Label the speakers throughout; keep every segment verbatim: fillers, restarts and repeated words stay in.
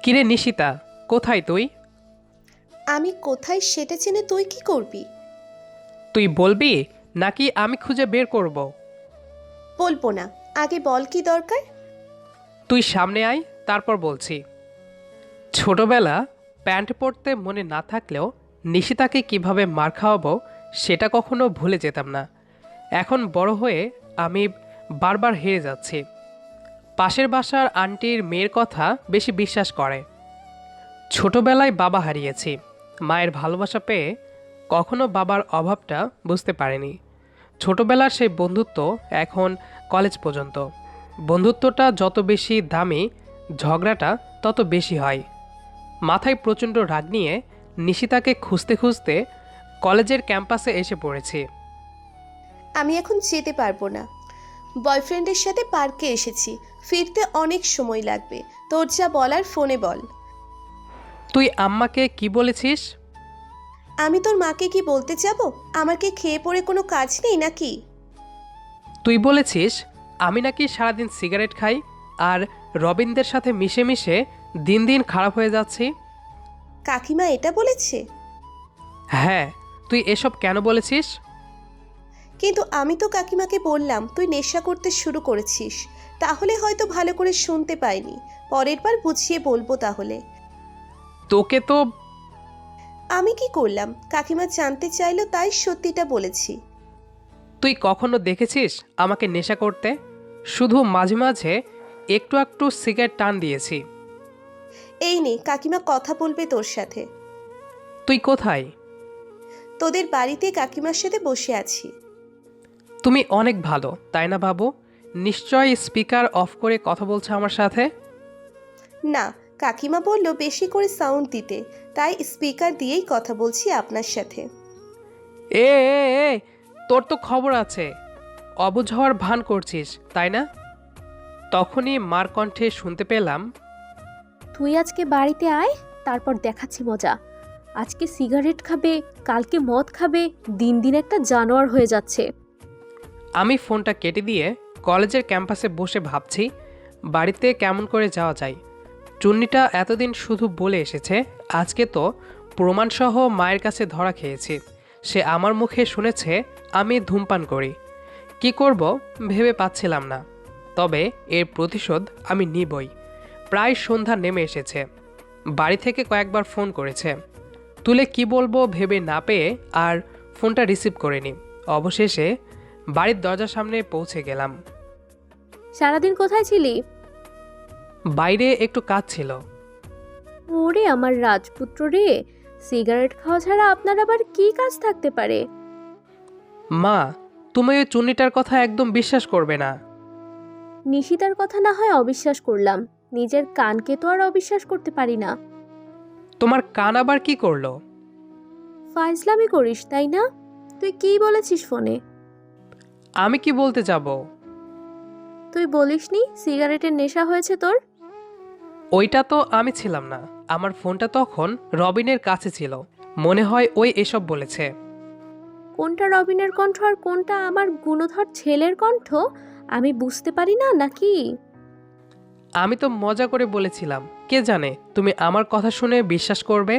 Speaker 1: কিরে নিশিতা, কোথায় তুই?
Speaker 2: আমি কোথায় সেটা জেনে তুই কি করবি?
Speaker 1: তুই বলবি নাকি আমি খুঁজে বের করব?
Speaker 2: বলবো না। আগে বল কি দরকার।
Speaker 1: তুই সামনে আয়, তারপর বলছি। ছোটবেলা প্যান্ট পরতে মনে না থাকলেও নিশিতাকে কিভাবে মার খাওয়াবো সেটা কখনো ভুলে যেতাম না। এখন বড় হয়ে আমি বারবার হেরে যাচ্ছি। পাশের বাসার আন্টির মেয়ের কথা বেশি বিশ্বাস করে। ছোটবেলায় বাবা হারিয়েছি, মায়ের ভালোবাসা পেয়ে কখনো বাবার অভাবটা বুঝতে পারিনি। ছোটবেলার সেই বন্ধুত্ব এখন কলেজ পর্যন্ত। বন্ধুত্বটা যত বেশি দামি, ঝগড়াটা তত বেশি হয়। মাথায় প্রচণ্ড রাগ নিয়ে নিশিতাকে খুঁজতে খুঁজতে কলেজের ক্যাম্পাসে এসে পড়েছি।
Speaker 2: আমি এখন যেতে পারবো না। বয়ফ্রেন্ডের সাথে পার্কে এসেছি, ফিরতে অনেক সময় লাগবে। তোর যা বলার ফোনে বল।
Speaker 1: তুই আম্মাকে কি বলেছিস?
Speaker 2: আমি তোর মাকে কি বলতে যাব? আমার কি খেয়ে পড়ে কোনো কাজ নেই নাকি?
Speaker 1: তুই বলেছিস আমি নাকি সারাদিন সিগারেট খাই আর রবিনদের সাথে মিশে মিশে দিন দিন খারাপ হয়ে যাচ্ছি।
Speaker 2: কাকিমা এটা বলেছে?
Speaker 1: হ্যাঁ, তুই এসব কেন বলেছিস?
Speaker 2: কিন্তু আমি তো কাকিমাকে বললাম তুই নেশা করতে শুরু করেছিস। তাহলে হয়তো ভালো করে শুনতে পাইনি। পরের বার বুঝিয়ে বলবো তাহলে।
Speaker 1: তোকে তো।
Speaker 2: আমি কি করলাম? কাকিমা জানতে চাইলো তাই সত্যিটা বলেছি।
Speaker 1: তুই কখনো দেখেছিস আমাকে নেশা করতে? শুধু মাঝে মাঝে একটু একটু সিগারেট টান দিয়েছি।
Speaker 2: এই নে, কাকিমা কথা বলবে তোর সাথে।
Speaker 1: তুই কোথায়?
Speaker 2: তোদের বাড়িতে কাকিমার সাথে বসে আছি।
Speaker 1: তুমি অনেক ভালো, তাই না বাবু? নিশ্চয়ই স্পিকার অফ করে কথা বলছো আমার সাথে।
Speaker 2: না, কাকিমা বলল বেশি করে সাউন্ড দিতে, তাই স্পিকার দিয়েই কথা বলছি আপনার সাথে।
Speaker 1: এ এ, এ, তোর তো খবর আছে। অবুঝ হওয়ার ভান করছিস, তাই না? তখনই মার কণ্ঠে শুনতে পেলাম,
Speaker 3: তুই আজকে বাড়িতে আয়, তারপর দেখাচ্ছি মজা। আজকে সিগারেট খাবে, কালকে মদ খাবে, দিন দিন একটা জানোয়ার হয়ে যাচ্ছে।
Speaker 1: আমি ফোনটা কেটে দিয়ে কলেজের ক্যাম্পাসে বসে ভাবছি বাড়িতে কেমন করে যাওয়া যায়। চুন্নিটা এতদিন শুধু বলে এসেছে, আজকে তো প্রমাণসহ মায়ের কাছে ধরা খেয়েছি। সে আমার মুখে শুনেছে আমি ধূমপান করি। কি করব ভেবে পাচ্ছিলাম না, তবে এর প্রতিশোধ আমি নিবই। প্রায় সন্ধ্যা নেমে এসেছে। বাড়ি থেকে কয়েকবার ফোন করেছে, তুলে কি বলবো ভেবে না পেয়ে আর ফোনটা রিসিভ করিনি। অবশেষে বাড়ির দরজার সামনে পৌঁছে গেলাম।
Speaker 3: সারাদিন কোথায় ছিলি?
Speaker 1: বাইরে একটু কাজ ছিল।
Speaker 3: ওরে আমার রাজপুত্র রে, সিগারেট খাওয়া ছাড়া আপনার আবার কি কাজ থাকতে পারে?
Speaker 1: মা, তুমি ওই চুন্নিটার কথা একদম বিশ্বাস করবে না।
Speaker 3: নিশিতার কথা না হয় অবিশ্বাস করলাম, নিজের কানকে তো আর অবিশ্বাস করতে পারি না।
Speaker 1: তোমার কান আবার কি করলো?
Speaker 3: ফাইজলামি করিস তাই না? তুই কি বলেছিস ফোনে?
Speaker 1: আমি কি বলতে যাব?
Speaker 3: তুই বলিসনি সিগারেটের নেশা হয়েছে তোর?
Speaker 1: ওইটা তো আমি ছিলাম না, আমার ফোনটা তখন রবিনের কাছে ছিল। মনে হয় ওই এসব বলেছে।
Speaker 3: কোনটা রবিনের কণ্ঠ আর কোনটা আমার গুণধর ছেলের কণ্ঠ আমি বুঝতে পারি না নাকি?
Speaker 1: আমি তো মজা করে বলেছিলাম, কে জানে তুমি আমার কথা শুনে বিশ্বাস করবে।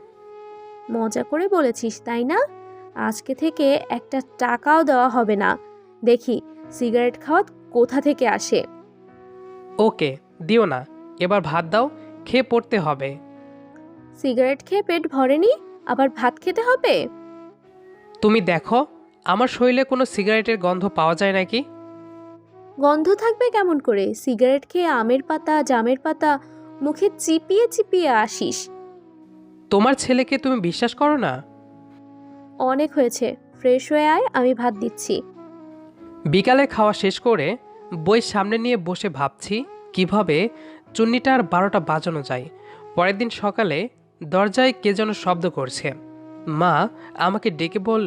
Speaker 3: মজা করে বলেছিস তাই না? আজকে থেকে একটা টাকাও দেওয়া হবে না। দেখি সিগারেট খাওয়া কোথা থেকে আসে।
Speaker 1: ওকে, দিও না। এবার ভাত দাও, খেয়ে পড়তে হবে।
Speaker 3: সিগারেট খেয়ে পেট ভরেনি, আবার ভাত খেতে হবে?
Speaker 1: তুমি দেখো আমার শরীরে কোনো সিগারেটের গন্ধ পাওয়া যায় নাকি?
Speaker 3: গন্ধ থাকবে কেমন করে? সিগারেট খেয়ে আমের পাতা জামের পাতা মুখে চিপিয়ে চিপিয়ে আসিস।
Speaker 1: তোমার ছেলেকে তুমি বিশ্বাস করো না?
Speaker 3: অনেক হয়েছে, ফ্রেশ হয়ে আয়, আমি ভাত দিচ্ছি।
Speaker 1: বিকালে খাওয়া শেষ করে বই সামনে নিয়ে বসে ভাবছি কিভাবে চুন্নিটার বারোটা বাজানো যায়। পরের দিন সকালে দরজায় কে যেন শব্দ করছে। মা আমাকে ডেকে বলল।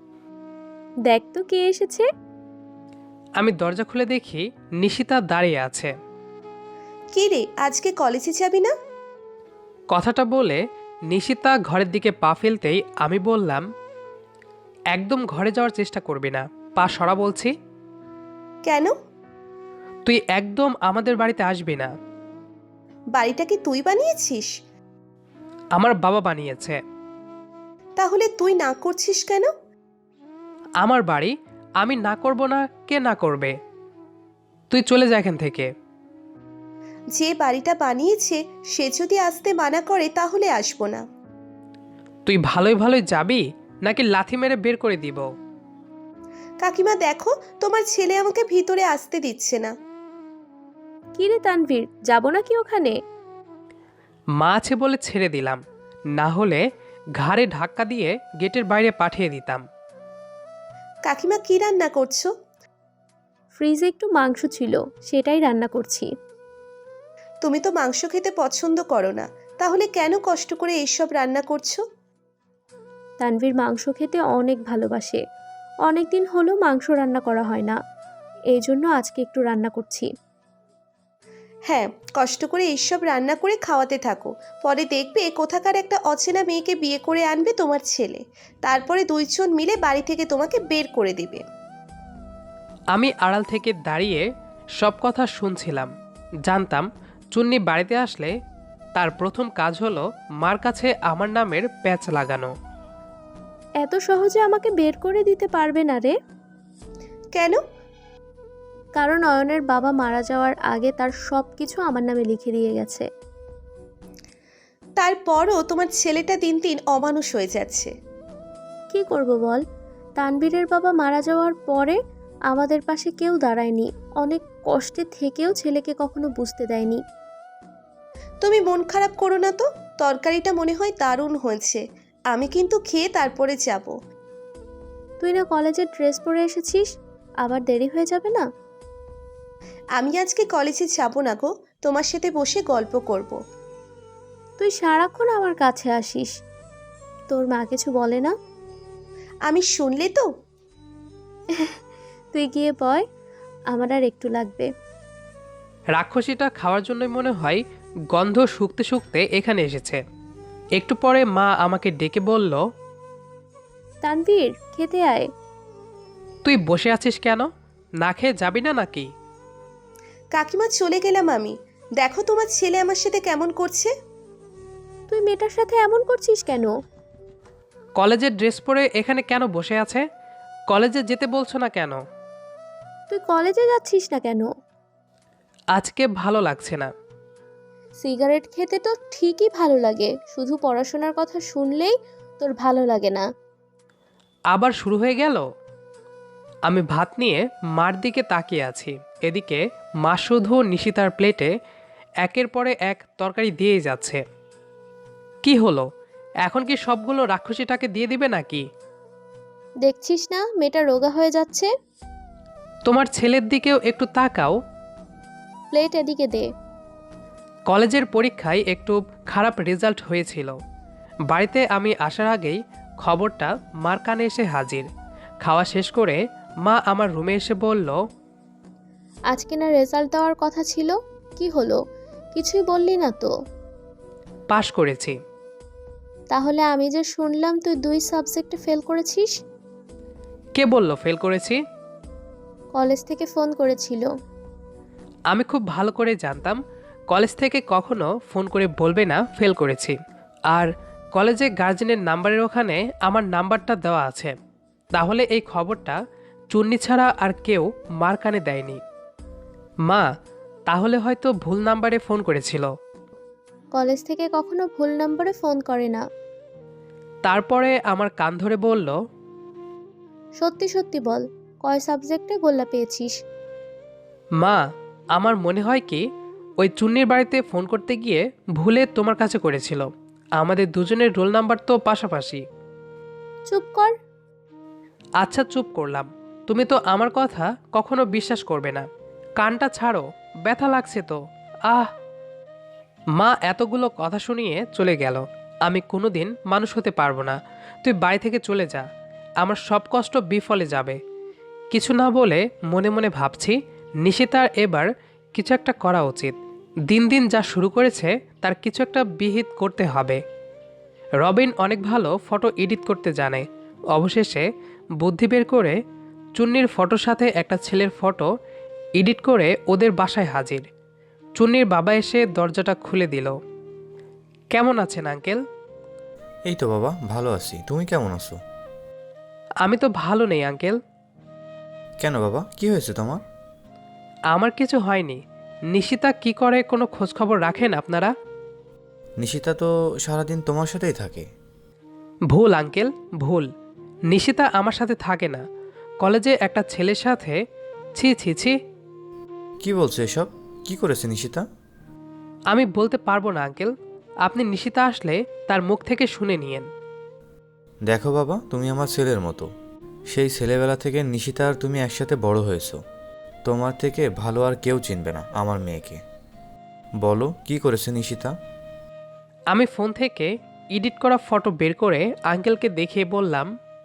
Speaker 3: দেখ তো কে এসেছে।
Speaker 1: আমি দরজা খুলে দেখি নিশিতা দাঁড়িয়ে আছে।
Speaker 2: কি রে, আজকে কলেজে যাবি না?
Speaker 1: কথাটা বলে নিশিতা ঘরের দিকে পা ফেলতেই আমি বললাম, একদম ঘরে যাওয়ার চেষ্টা করবি না, পা সরা বলছি।
Speaker 2: কেন?
Speaker 1: তুই একদম আমাদের বাড়িতে আসবি না।
Speaker 2: বাড়িটা কি তুই বানিয়েছিস?
Speaker 1: আমার বাবা বানিয়েছে।
Speaker 2: তাহলে তুই না করছিস কেন?
Speaker 1: আমার বাড়ি, আমি না করব না, কে না করবে? তুই চলে যা এখান থেকে।
Speaker 2: যে বাড়িটা বানিয়েছে সে যদি আসতে মানা করে তাহলে আসবো না।
Speaker 1: তুই ভালোই ভালোই যাবি নাকি লাথি মেরে বের করে দিব?
Speaker 2: কাকিমা দেখো, তোমার ছেলে আমাকে ভিতরে আসতে দিচ্ছে না।
Speaker 3: কি রে তানভীর, যাবো নাকি ওখানে?
Speaker 1: মা আছে বলে ছেড়ে দিলাম, না হলে ঘাড়ে ধাক্কা দিয়ে গেটের বাইরে পাঠিয়ে দিতাম।
Speaker 2: কাকিমা কি রান্না করছো?
Speaker 3: ফ্রিজে একটু মাংস ছিল, সেটাই রান্না করছি।
Speaker 2: তুমি তো মাংস খেতে পছন্দ করো না, তাহলে কেন কষ্ট করে এইসব রান্না করছো?
Speaker 3: তানভীর মাংস খেতে অনেক ভালোবাসে। অনেক দিন হলো মাংস রান্না করা হয় না, এই জন্য আজকে একটু রান্না করছি।
Speaker 2: হ্যাঁ, কষ্ট করে এইসব রান্না করে খাওয়াতে থাকো, পরে দেখবে কোথাকার একটা অচেনা মেয়েকে বিয়ে করে আনবে তোমার ছেলে, তারপরে দুইজন মিলে বাড়ি থেকে তোমাকে বের করে দিবে।
Speaker 1: আমি আড়াল থেকে দাঁড়িয়ে সব কথা শুনছিলাম। জানতাম চুন্নি বাড়িতে আসলে তার প্রথম কাজ হলো মার কাছে আমার নামের প্যাচ লাগানো।
Speaker 3: এত সহজে আমাকে বের করে দিতে পারবে না রে।
Speaker 2: কেন?
Speaker 3: কারণ অয়নের বাবা মারা যাওয়ার আগে তার সব কিছু আমার নামে লিখে দিয়ে গেছে।
Speaker 2: তারপরও তোমার ছেলেটা দিন দিন অমানুষ হয়ে যাচ্ছে।
Speaker 3: কি করব বল, তানভীরের বাবা মারা যাওয়ার পরে আমাদের পাশে কেউ দাঁড়ায়নি। অনেক কষ্টে থেকেও ছেলেকে কখনো বুঝতে দেয়নি।
Speaker 2: তুমি মন খারাপ করো না তো, তরকারিটা মনে হয় দারুণ হয়েছে, আমি কিন্তু খেয়ে তারপরে যাব।
Speaker 3: তুই না কলেজের ড্রেস পরে এসেছিস, আবার দেরি হয়ে যাবে না?
Speaker 2: আমি আজকে কলেজে যাব না গো, তোমার সাথে বসে গল্প করব।
Speaker 3: তুই সারাক্ষণ আমার কাছে আসিস, তোর মা কিছু বলে না?
Speaker 2: আমি শুনলে তো।
Speaker 3: তুই গিয়ে বয়, আমার আর একটু লাগবে।
Speaker 1: রাক্ষসীটা খাওয়ার জন্যই মনে হয় গন্ধ শুকতে শুকতে এখানে এসেছে। একটু পরে মা আমাকে ডেকে বলল,
Speaker 3: তানভীর, খেতে আয়।
Speaker 1: তুই বসে আছিস কেন? না খেয়ে যাবি না নাকি?
Speaker 2: কাকিমা চলে গেলাম আমি, দেখো তোমার ছেলে আমার সাথে কেমন করছে।
Speaker 3: তুই মেয়েটার সাথে এমন করছিস কেন?
Speaker 1: কলেজের ড্রেস পরে এখানে কেন বসে আছে? কলেজে যেতে বলছো না কেন?
Speaker 3: তুই কলেজে যাচ্ছিস না কেন?
Speaker 1: আজকে ভালো লাগছে না।
Speaker 3: সিগারেট খেতে তো ঠিকই ভালো লাগে, শুধু পড়াশোনার কথা শুনলেই তোর ভালো লাগে না।
Speaker 1: আবার শুরু হয়ে গেল। আমি ভাত নিয়ে মার দিকে তাকিয়ে আছি, এদিকে মা শুধু নিশিতার প্লেটে একের পরে এক তরকারি দিয়েই যাচ্ছে। কি হলো, এখন কি সবগুলো রাক্ষসীটাকে দিয়ে দিবে নাকি?
Speaker 3: দেখছিস না মেয়েটা রোগা হয়ে যাচ্ছে?
Speaker 1: তোমার ছেলের দিকেও একটু তাকাও।
Speaker 3: প্লেট এদিকে দে।
Speaker 1: কলেজের পরীক্ষায় একটু খারাপ রেজাল্ট হয়েছিল। বাড়িতে আমি আসার আগেই খবরটা মার কানে এসে হাজির। খাওয়া শেষ করে মা আমার রুমে এসে বলল,
Speaker 3: আজকে না রেজাল্ট দেওয়ার কথা ছিল, কি হলো? কিছুই বললি না তো।
Speaker 1: পাশ করেছি।
Speaker 3: তাহলে আমি যে শুনলাম তুই দুই সাবজেক্টে ফেল করেছিস।
Speaker 1: কে বলল ফেল করেছি?
Speaker 3: কলেজ থেকে ফোন করেছিল।
Speaker 1: আমি খুব ভালো করে জানতাম কলেজ থেকে কখনো ফোন করে বলবে না ফেল করেছি। আর কলেজে গার্জেনের নাম্বারের ওখানে আমার নাম্বারটা দেওয়া আছে। তাহলে এই খবরটা চুন্নি ছাড়া আর কেউ মার কানে দেয়নি। মা তাহলে হয়তো ভুল নাম্বারে ফোন করেছিল।
Speaker 3: কলেজ থেকে কখনো ভুল নম্বরে ফোন করে না।
Speaker 1: তারপরে আমার কান ধরে বলল,
Speaker 3: সত্যি সত্যি বল, কয় সাবজেক্টে গোল্লা পেয়েছিস?
Speaker 1: মা আমার মনে হয় কি ওই চুন্নির বাড়িতে ফোন করতে গিয়ে ভুলে তোমার কাছে করেছিল। আমাদের দুজনের রোল নাম্বার তো পাশাপাশি।
Speaker 3: চুপ কর।
Speaker 1: আচ্ছা চুপ করলাম। তুমি তো আমার কথা কখনো বিশ্বাস করবে না। কানটা ছাড়ো, ব্যথা লাগছে তো। আহ। মা এতগুলো কথা শুনিয়ে চলে গেল। আমি কোনোদিন মানুষ হতে পারবো না। তুই বাড়ি থেকে চলে যা, আমার সব কষ্ট বিফলে যাবে। কিছু না বলে মনে মনে ভাবছি নিশিতার এবার কিছু একটা করা উচিত। দিন দিন যা শুরু করেছে তার কিছু একটা বিহিত করতে হবে। রবিন অনেক ভালো ফটো এডিট করতে জানে। অবশেষে বুদ্ধি বের করে চুন্নির ফটোর সাথে একটা ছেলের ফটো এডিট করে ওদের বাসায় হাজির। চুন্নির বাবা এসে দরজাটা খুলে দিল। কেমন আছেন আঙ্কেল?
Speaker 4: এই তো বাবা, ভালো আছি। তুমি কেমন আছো?
Speaker 1: আমি তো ভালো নেই আঙ্কেল।
Speaker 4: কেন বাবা, কি হয়েছে তোমার?
Speaker 1: আমার কিছু হয়নি। নিশিতা কি করে কোনো খোঁজখবর রাখেন আপনারা?
Speaker 4: নিশিতা তো সারাদিন তোমার সাথেই থাকে।
Speaker 1: ভুল আঙ্কেল, ভুল। নিশিতা আমার সাথে থাকে না, কলেজে একটা ছেলের সাথে। ছি ছি ছি।
Speaker 4: কি বলছো এসব? কি করেছে নিশিতা?
Speaker 1: আমি বলতে পারবো না আঙ্কেল, আপনি নিশিতা আসলে তার মুখ থেকে শুনে নিয়েন।
Speaker 4: দেখো বাবা, তুমি আমার ছেলের মতো। সেই ছেলেবেলা থেকে নিশিতা আর তুমি একসাথে বড় হয়েছো। তোমার থেকে ভালো আর কেউ চিনবে না আমার মেয়েকে। বলো, কি করেছে নিশিতা?
Speaker 1: আমি ফোন থেকে এডিট করা ফটো বের করে আঙ্কেলকে দেখিয়ে বললাম,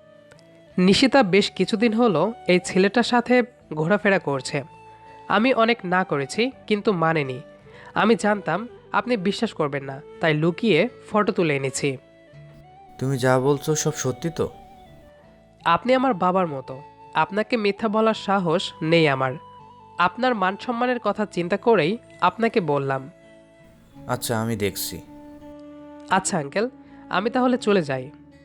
Speaker 1: নিশিতা বেশ কিছুদিন হলো এই ছেলেটার সাথে ঘোরাফেরা করছে। আমি অনেক না করেছি, কিন্তু মানেনি। আমি জানতাম আপনি বিশ্বাস করবেন না, তাই লুকিয়ে ফটো তুলে এনেছি।
Speaker 4: তুমি যা বলছো সব সত্যি তো?
Speaker 1: আপনি আমার বাবার মতো, আপনাকে মিথ্যা বলার সাহস নেই আমার। আপনার মান সম্মানের কথা চিন্তা করেই আপনাকে বললাম।
Speaker 4: আচ্ছা, আমি দেখছি।
Speaker 1: আচ্ছা আঙ্কেল, আমি তাহলে চলে যাই।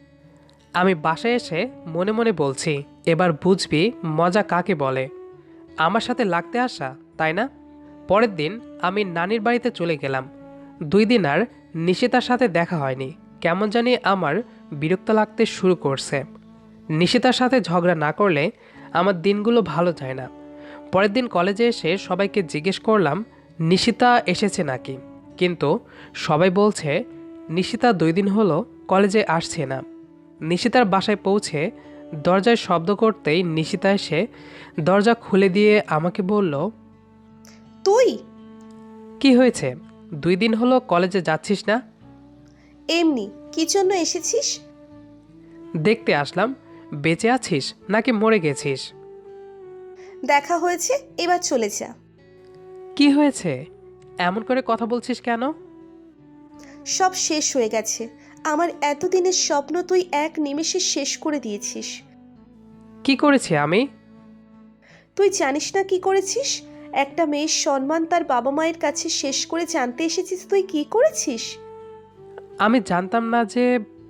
Speaker 1: আমি বাসায় এসে মনে মনে বলছি, এবার বুঝবি মজা কাকে বলে। আমার সাথে লাগতে আসা, তাই না? পরের দিন আমি নানির বাড়িতে চলে গেলাম। দুই দিন আর নিশিতার সাথে দেখা হয়নি। কেমন জানি আমার বিরক্ত লাগতে শুরু করছে। নিশিতার সাথে ঝগড়া না করলে আমার দিনগুলো ভালো যায় না। পরের দিন কলেজে এসে সবাইকে জিজ্ঞেস করলাম নিশিতা এসেছে নাকি, কিন্তু সবাই বলছে নিশিতা দুই দিন হলো কলেজে আসছে না। নিশিতার বাসায় পৌঁছে দরজায় শব্দ করতেই নিশিতা এসে দরজা খুলে দিয়ে আমাকে বলল,
Speaker 2: তুই?
Speaker 1: কি হয়েছে? দুই দিন হলো কলেজে যাচ্ছিস না?
Speaker 2: এমনি। কি জন্য এসেছিস?
Speaker 1: দেখতে আসলাম বেঁচে আছিস নাকি মরে গেছিস।
Speaker 2: দেখা হয়েছে, এবার চলে যা।
Speaker 1: কি হয়েছে? এমন করে কথা বলছিস কেন?
Speaker 2: সব শেষ হয়ে গেছে। আমার এতদিনের স্বপ্ন তুই এক নিমেষে শেষ করে দিয়েছিস।
Speaker 1: কি করেছি আমি?
Speaker 2: তুই জানিস না কি করেছিস? একটা মেয়ের সম্মান তার বাবা মায়ের কাছে শেষ করে জানতে এসেছিস তুই কি করেছিস।
Speaker 1: আমি জানতাম না যে।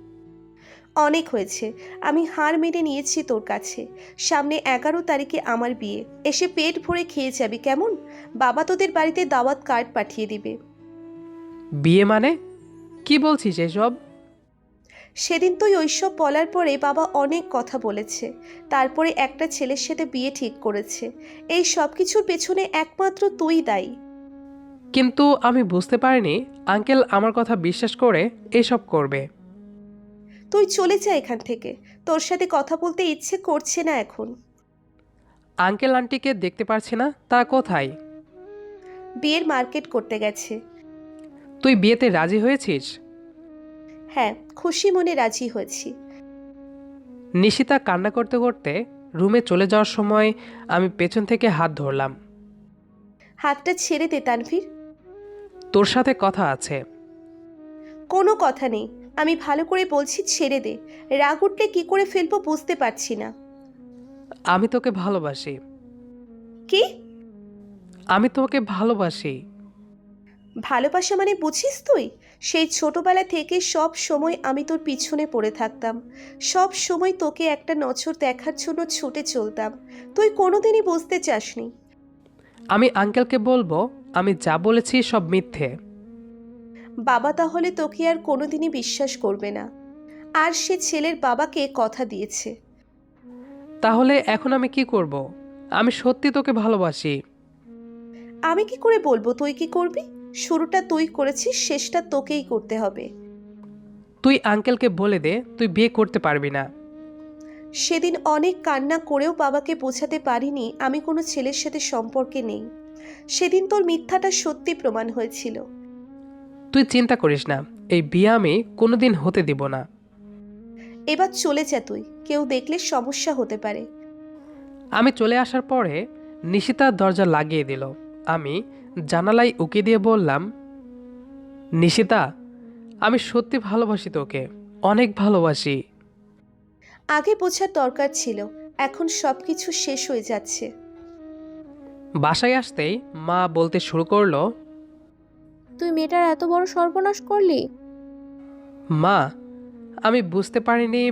Speaker 2: অনেক হয়েছে। আমি হার মেনে নিয়েছি তোর কাছে। সামনে এগারো তারিখে আমার বিয়ে। এসে পেট ভরে খেয়ে যাবি কেমন? বাবা তোদের বাড়িতে দাওয়াত কার্ড পাঠিয়ে দিবে।
Speaker 1: বিয়ে মানে? কি বলছিস এসব?
Speaker 2: সেদিন তুই ওইসব বলার পরে বাবা অনেক কথা বলেছে। তারপরে একটা ছেলের সাথে বিয়ে ঠিক করেছে। এই সব কিছুর পেছনে একমাত্র তুই দায়ী।
Speaker 1: কিন্তু আমি বুঝতে পারিনি আঙ্কেল আমার কথা বিশ্বাস করে এসব করবে।
Speaker 2: তুই চলে যা এখান থেকে। তোর সাথে কথা বলতে ইচ্ছে করছে না এখন।
Speaker 1: আঙ্কেল আন্টিকে দেখতে পারছি না, তারা কোথায়?
Speaker 2: বিয়ের মার্কেট করতে গেছে।
Speaker 1: তুই বিয়েতে রাজি হয়েছিস?
Speaker 2: হ্যাঁ, খুশি মনে রাজি হয়েছি।
Speaker 1: নিশিতা কান্না করতে করতে রুমে চলে যাওয়ার সময় আমি পেছন থেকে হাত ধরলাম।
Speaker 2: হাতটা ছেড়ে দে তানভীর।
Speaker 1: তোর সাথে কথা আছে।
Speaker 2: কোনো কথা নেই। আমি ভালো করে বলছি, ছেড়ে দে। রাগ উঠলে কি করে ফেলবো বুঝতে পারছি না।
Speaker 1: আমি তোকে ভালোবাসি।
Speaker 2: কি?
Speaker 1: আমি তোকে ভালোবাসি।
Speaker 2: ভালোবাসা মানে বুঝিস তুই? সেই ছোটবেলা থেকে সব সময় আমি তোর পিছনে পড়ে থাকতাম। সব সময় তোকে একটা নজর দেখার জন্য ছুটে চলতাম। তুই কোনোদিনই বুঝতে চাসনি।
Speaker 1: আমি আঙ্কেলকে বলবো আমি যা বলেছি সব মিথ্যে।
Speaker 2: বাবা তাহলে তোকে আর কোনোদিনই বিশ্বাস করবে না। আর সে ছেলের বাবাকে কথা দিয়েছে।
Speaker 1: তাহলে এখন আমি কি করব? আমি সত্যি তোকে ভালোবাসি।
Speaker 2: আমি কি করে বলবো তুই কি করবি? শুরুটা তুই করেছিস, শেষটা তোকেই করতে হবে।
Speaker 1: তুই আঙ্কেলকে বলে দে তুই বিয়ে করতে পারবি না।
Speaker 2: সেদিন অনেক কান্না করেও বাবাকে বোঝাতে পারিনি আমি কোনো ছেলের সাথে সম্পর্কে নেই। সেদিন তোর মিথ্যাটা সত্যি প্রমাণ হয়েছিল।
Speaker 1: তুই চিন্তা করিস না, এই বিয়ে আমি কোনোদিন হতে দিব না।
Speaker 2: এবার চলে যা তুই, কেউ দেখলে সমস্যা হতে পারে।
Speaker 1: আমি চলে আসার পরে নিশিতা দরজা লাগিয়ে দিল। আমি জানালায় উকি দিয়ে বললাম, নিশিতা, আমি সত্যি ভালোবাসি তোকে, অনেক ভালোবাসি।
Speaker 2: আগে বোঝার দরকার ছিল, এখন সব কিছু শেষ হয়ে যাচ্ছে।
Speaker 1: বাসায় আসতেই মা বলতে শুরু করলো,
Speaker 3: তুই মেয়েটার এত বড় সর্বনাশ করলি?
Speaker 1: মা, আমি বুঝতে পারিনি।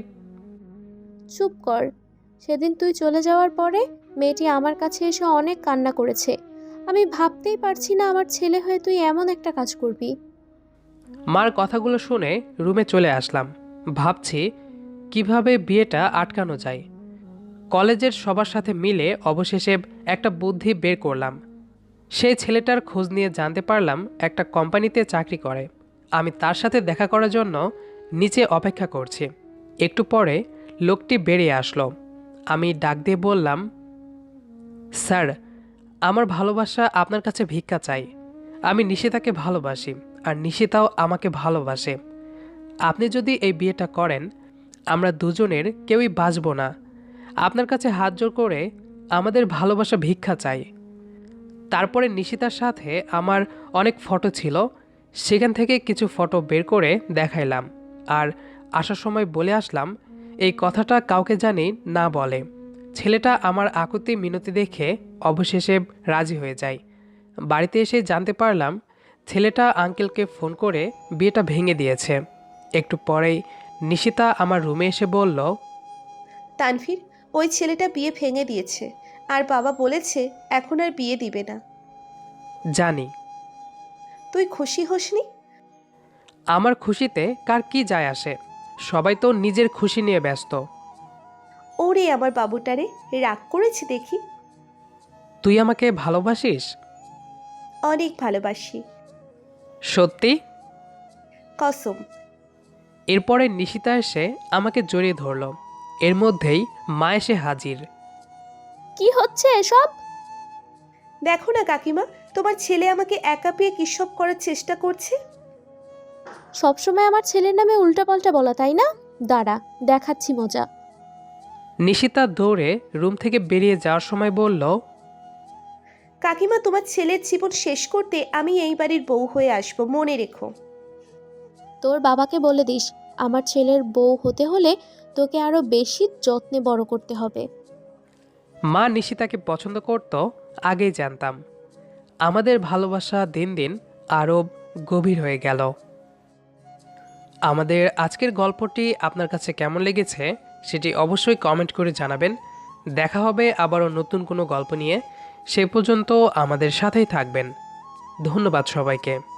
Speaker 3: চুপ কর। সেদিন তুই চলে যাওয়ার পরে মেয়েটি আমার কাছে এসে অনেক কান্না করেছে। আমি ভাবতেই পারছি না আমার ছেলে হয়ে তুই এমন একটা কাজ করবি।
Speaker 1: মার কথাগুলো শুনে রুমে চলে আসলাম। ভাবছি কিভাবে বিয়েটা আটকানো যায়। কলেজের সবার সাথে মিলে অবশেষে একটা বুদ্ধি বের করলাম। সেই ছেলেটার খোঁজ নিয়ে জানতে পারলাম একটা কোম্পানিতে চাকরি করে। আমি তার সাথে দেখা করার জন্য নিচে অপেক্ষা করছি। একটু পরে লোকটি বেরিয়ে আসলো। আমি ডাক দিয়ে বললাম, স্যার, আমার ভালোবাসা আপনার কাছে ভিক্ষা চাই। আমি নিশিতাকে ভালোবাসি আর নিশিতাও আমাকে ভালোবাসে। আপনি যদি এই বিয়েটা করেন, আমরা দুজনের কেউই বাঁচব না। আপনার কাছে হাত জোড় করে আমাদের ভালোবাসা ভিক্ষা চাই। তারপরে নিশিতার সাথে আমার অনেক ফটো ছিল, সেখান থেকে কিছু ফটো বের করে দেখাইলাম আর আসার সময় বলে আসলাম এই কথাটা কাউকে জানি না বলে। ছেলেটা আমার আকুতি মিনতি দেখে অবশেষে রাজি হয়ে যায়। বাড়িতে এসে জানতে পারলাম ছেলেটা আঙ্কেলকে ফোন করে বিয়েটা ভেঙে দিয়েছে। একটু পরেই নিশিতা আমার রুমে এসে বলল,
Speaker 2: তানভীর, ওই ছেলেটা বিয়ে ভেঙে দিয়েছে আর বাবা বলেছে এখন আর বিয়ে দিবে না।
Speaker 1: জানি।
Speaker 2: তুই খুশি হসনি?
Speaker 1: আমার খুশিতে কার কি যায় আসে? সবাই তো নিজের খুশি নিয়ে ব্যস্ত।
Speaker 2: ওরে আমার বাবুটারে, রাগ করেছি দেখি।
Speaker 1: তুই আমাকে ভালোবাসিস?
Speaker 2: অনেক ভালোবাসি।
Speaker 1: সত্যি?
Speaker 2: কসম।
Speaker 1: এরপরে নিশিতা এসে আমাকে জড়িয়ে ধরল। এর মধ্যেই মা এসে হাজির।
Speaker 3: কি হচ্ছে এসব?
Speaker 2: দেখো না কাকিমা, তোমার ছেলে আমাকে একা পেয়ে কিসব করার চেষ্টা করছে।
Speaker 3: সবসময় আমার ছেলের নামে উল্টাপাল্টা বলা, তাই না? দাঁড়া, দেখাচ্ছি মজা।
Speaker 1: নিশিতা দৌড়ে রুম থেকে বেরিয়ে যাওয়ার সময় বলল,
Speaker 2: কাকিমা, তোমার ছেলের জীবন শেষ করতে আমি এই বাড়ির বউ হয়ে আসবো, মনে রেখো।
Speaker 3: তোর বাবাকে বলে দিস, আমার ছেলের বউ হতে হলে তোকে আরো বেশি যত্নে বড় করতে হবে।
Speaker 1: মা নিশিতাকে পছন্দ করত আগেই জানতাম। আমাদের ভালোবাসা দিন দিন আরও গভীর হয়ে গেল। আমাদের আজকের গল্পটি আপনার কাছে কেমন লেগেছে সেটি অবশ্যই কমেন্ট করে জানাবেন। দেখা হবে আবারও নতুন কোনো গল্প নিয়ে। সে পর্যন্ত আমাদের সাথেই থাকবেন। ধন্যবাদ সবাইকে।